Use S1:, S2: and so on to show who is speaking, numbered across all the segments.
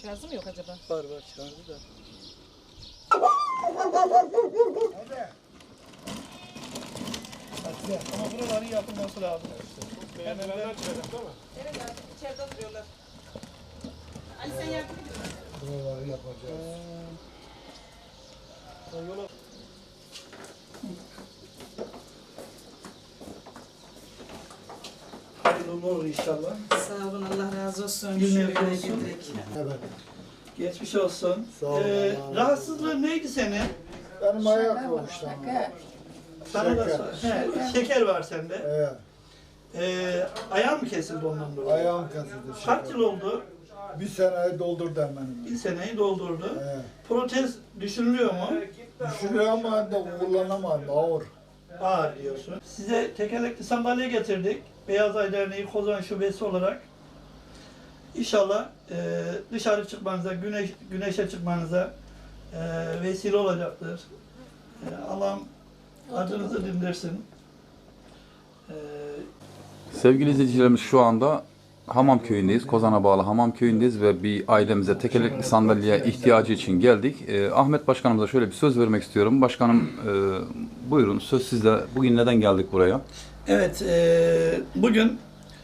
S1: Şarjı mı yok acaba?
S2: Var şarjı da. Ama buraların yapılması lazım.
S3: Beğenenler çıkacak değil mi?
S1: Evet abi içeride oturuyorlar. Ali sen yardım edin.
S4: Buraları yapacağız.
S3: Yola
S2: Hayırlı uğurlu olur inşallah.
S1: Sağ olun Allah razı olsun.
S2: Günler
S1: Şöyle
S2: olsun.
S1: getirek.
S4: Evet.
S2: Geçmiş olsun.
S4: Sağ olun, Allah razı olsun.
S2: Rahatsızlığın neydi senin?
S4: Benim ayak boşluğum.
S2: Sana da
S4: Şeker.
S2: şeker var sende.
S4: Evet.
S2: Ayağın mı kesildi ondan dolayı?
S4: Ayağım kesildi.
S2: Kaç yıl oldu?
S4: Bir seneyi doldurdu hemen.
S2: Bir seneyi doldurdu.
S4: Evet.
S2: Protez düşünülüyor mu?
S4: Düşünüyor ama da kullanamadım. Ağır.
S2: Ağır diyorsun. Size tekerlekli sandalye getirdik. Beyaz Ay Derneği Kozan Şubesi olarak. İnşallah dışarı çıkmanıza, güneşe çıkmanıza vesile olacaktır. Allah'ım acınızı dindirsin.
S5: Sevgili izleyicilerimiz, şu anda Hamam köyündeyiz. Kozan'a bağlı Hamam köyündeyiz ve bir ailemize tekerlekli sandalyeye ihtiyacı için geldik. Ahmet Başkanımıza şöyle bir söz vermek istiyorum. Başkanım, buyurun, söz sizde. Bugün neden geldik buraya?
S2: Evet, bugün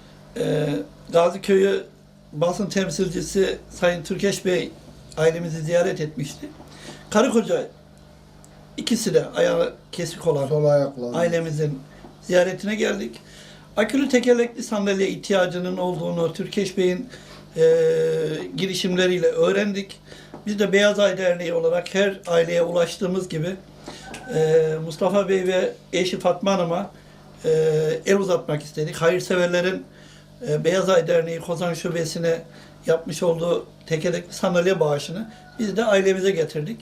S2: Gazi Köyü basın temsilcisi Sayın Türkeş Bey ailemizi ziyaret etmişti. Karı koca ikisi de ayağı kesik olan
S4: Sol ayakla.
S2: ailemizin ziyaretine geldik. Akülü tekerlekli sandalye ihtiyacının olduğunu Türkeş Bey'in girişimleriyle öğrendik. Biz de Beyaz Ay Derneği olarak her aileye ulaştığımız gibi Mustafa Bey ve eşi Fatma Hanım'a el uzatmak istedik. Hayırseverlerin Beyaz Ay Derneği Kozan Şubesi'ne yapmış olduğu tekerlekli sandalye bağışını biz de ailemize getirdik.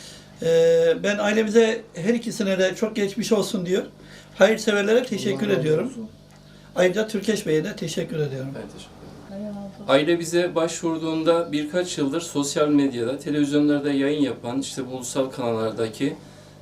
S2: Ben ailemize her ikisine de çok geçmiş olsun diyor. Hayırseverlere teşekkür ediyorum. Ayrıca Türkeş Bey'e de teşekkür ediyorum.
S6: Evet, teşekkür ederim. Aile bize başvurduğunda birkaç yıldır sosyal medyada, televizyonlarda yayın yapan, işte ulusal kanallardaki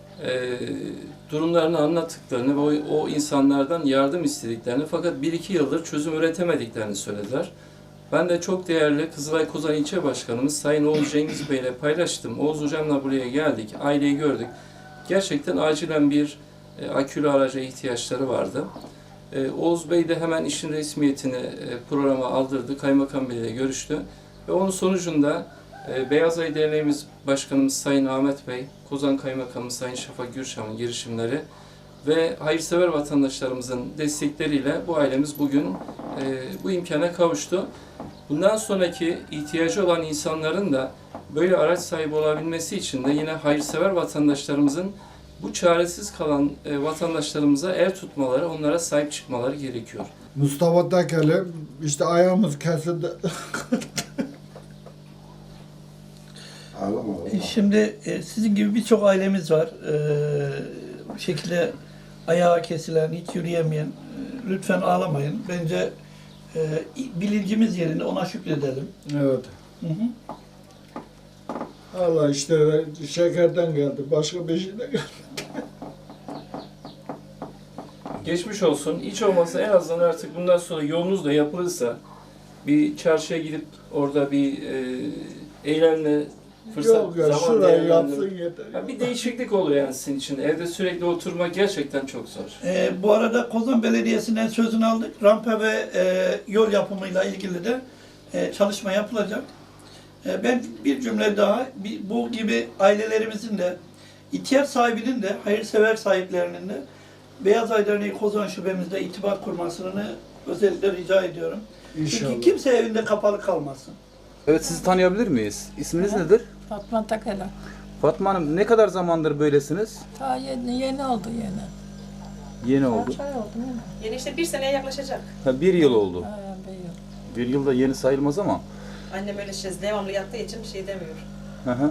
S6: durumlarını anlattıklarını ve o insanlardan yardım istediklerini, fakat 1-2 yıldır çözüm üretemediklerini söylediler. Ben de çok değerli Kızılay Kozan İlçe Başkanımız Sayın Oğuz Cengiz Bey ile paylaştım. Oğuz Hocam'la buraya geldik, aileyi gördük. Gerçekten acilen bir akülü araca ihtiyaçları vardı. Oğuz Bey de hemen işin resmiyetini programa aldırdı, Kaymakam Bey ile görüştü. Ve onun sonucunda Beyaz Ay Derneğimiz Başkanımız Sayın Ahmet Bey, Kozan Kaymakamı Sayın Şafak Gürşam'ın girişimleri ve hayırsever vatandaşlarımızın destekleriyle bu ailemiz bugün bu imkana kavuştu. Bundan sonraki ihtiyacı olan insanların da böyle araç sahibi olabilmesi için de yine hayırsever vatandaşlarımızın bu çaresiz kalan vatandaşlarımıza el tutmaları, onlara sahip çıkmaları gerekiyor.
S4: Mustafa Tekel'i işte ayağımız kesildi.
S2: Şimdi sizin gibi birçok ailemiz var. Bu şekilde ayağı kesilen, hiç yürüyemeyen, lütfen ağlamayın. Bence bilincimiz yerine ona şükredelim.
S4: Evet.
S2: Hı hı.
S4: Allah işte şekerden geldi. Başka bir şeyden geldi.
S6: Geçmiş olsun. Hiç olmazsa en azından artık bundan sonra yolunuz da yapılırsa bir çarşıya gidip orada bir eylemle fırsat,
S4: Yok ya,
S6: zaman
S4: şurayı
S6: değerlendirip
S4: yapsın yeter.
S6: ya bir değişiklik oluyor yani sizin için. Evde sürekli oturmak gerçekten çok zor.
S2: Bu arada Kozan Belediyesi'nden sözünü aldık. Rampa ve yol yapımıyla ilgili de çalışma yapılacak. Ben bir cümle daha, bu gibi ailelerimizin de, ihtiyaç sahibinin de, hayırsever sahiplerinin de Beyaz Ay Derneği Kozan Şubemizde itibar kurmasını özellikle rica ediyorum.
S4: İnşallah.
S2: Çünkü kimse evinde kapalı kalmasın.
S5: Evet, sizi tanıyabilir miyiz? İsminiz nedir?
S7: Fatma Takela.
S5: Fatma Hanım, ne kadar zamandır böylesiniz?
S7: Ta yeni oldu yeni.
S5: Yeni oldu.
S7: Kaç ay oldu yeni?
S1: Yeni işte 1 seneye yaklaşacak.
S5: Ha, 1 yıl oldu.
S7: Ha, bir yıl.
S5: 1 yılda yeni sayılmaz ama.
S1: Annem öyle devamlı yattığı için bir şey demiyor.
S5: Hı hı.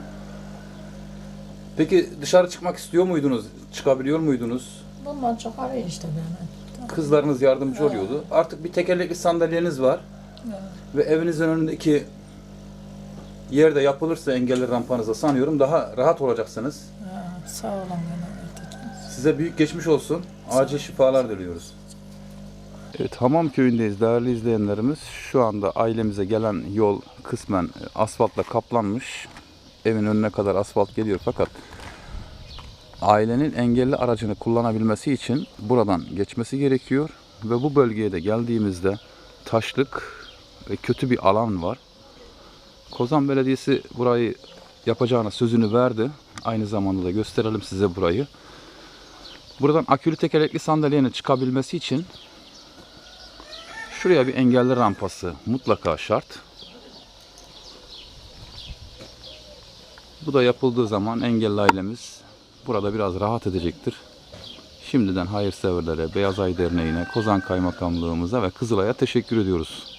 S5: Peki dışarı çıkmak istiyor muydunuz? Çıkabiliyor muydunuz?
S7: Bundan çok arıyor işte beni.
S5: Kızlarınız yardımcı oluyordu. Artık bir tekerlekli sandalyeniz var.
S7: Evet.
S5: Ve evinizin önündeki yerde yapılırsa engelli rampanıza sanıyorum daha rahat olacaksınız.
S7: Ha, sağ olun yine.
S5: Size büyük geçmiş olsun. Acil şifalar diliyoruz. Evet, Hamam köyündeyiz değerli izleyenlerimiz. Şu anda ailemize gelen yol kısmen asfaltla kaplanmış. Evin önüne kadar asfalt geliyor fakat ailenin engelli aracını kullanabilmesi için buradan geçmesi gerekiyor. Ve bu bölgeye de geldiğimizde taşlık ve kötü bir alan var. Kozan Belediyesi burayı yapacağına sözünü verdi. Aynı zamanda da gösterelim size burayı. Buradan akülü tekerlekli sandalyenin çıkabilmesi için şuraya bir engelli rampası mutlaka şart. Bu da yapıldığı zaman engelli ailemiz burada biraz rahat edecektir. Şimdiden hayırseverlere, Beyaz Ay Derneği'ne, Kozan Kaymakamlığımıza ve Kızılay'a teşekkür ediyoruz.